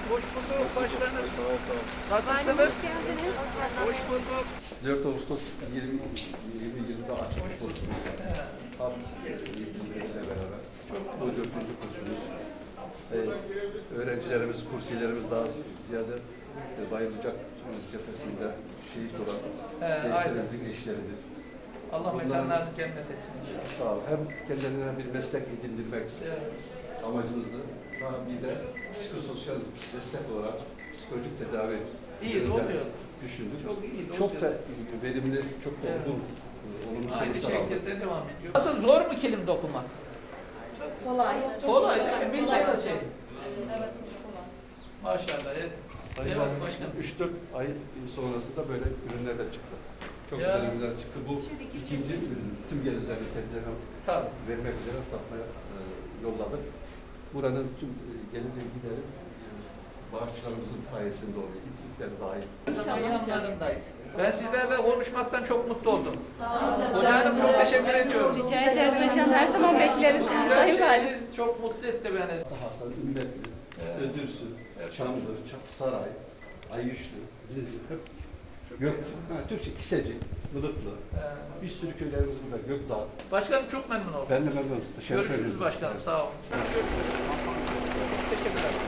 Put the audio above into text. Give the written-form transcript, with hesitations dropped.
Hoş bulduk başkanım. Nasılsınız? Hoş geldiniz. Hoş bulduk. 4 Ağustos 2020'de açmış kursumuz. Tam ile beraber. Bu 4. kursumuz. Öğrencilerimiz, kursiyelerimiz daha ziyade bayılacak cephesinde şehit olan gençlerimizin eşleridir. Allah mekanlarını cennet etsin inşallah. Sağ ol. Hem kendilerine bir meslek edindirmek amacımızdı. Daha bir de psikososyal destek olarak psikolojik tedavi İyi de oluyor. düşündük. Çok iyi de Çok da oluyor. verimli, çok da olgun, olumlu Aynı sonuçlar aldık. şekilde devam ediyor. Nasıl zor mu kilim dokumak? Kolay. Kolay değil mi? Bildiğiniz şey. Evet, çok kolay. Maşallah. Evet, Sayın evet Valim, başkanım. 3-4 ay sonrasında böyle ürünler de çıktı. Çok Ya. güzel ürünler çıktı. Bu ikinci ürün. Tüm gelirlerini kendilerine Tabii. vermek üzere satmaya yolladık. Buranın tüm geliri gideri bağışçılarımızın sayesinde oluyor. İplikler dahil. Zaman yanlarındayız. Ben sizlerle konuşmaktan çok mutlu oldum. Sağ olun. Hoca Hanım çok teşekkür ediyorum. Rica ederiz hocam. Her zaman bekleriz. Her Sayın Valim. şeyiniz çok mutlu etti beni. Hasan, Ümmetli, Ödürsü, Çamlı, Saray, Ayyüşlü, Zizli, hep Gök, Türkçe, Kiseci, Bulutlu. Bir sürü köylerimiz burada, Gökdağ. Başkanım çok memnun oldum. Ben de memnunum. Teşekkür Görüşürüz ederiz. başkanım. Sağ olun. Teşekkürler.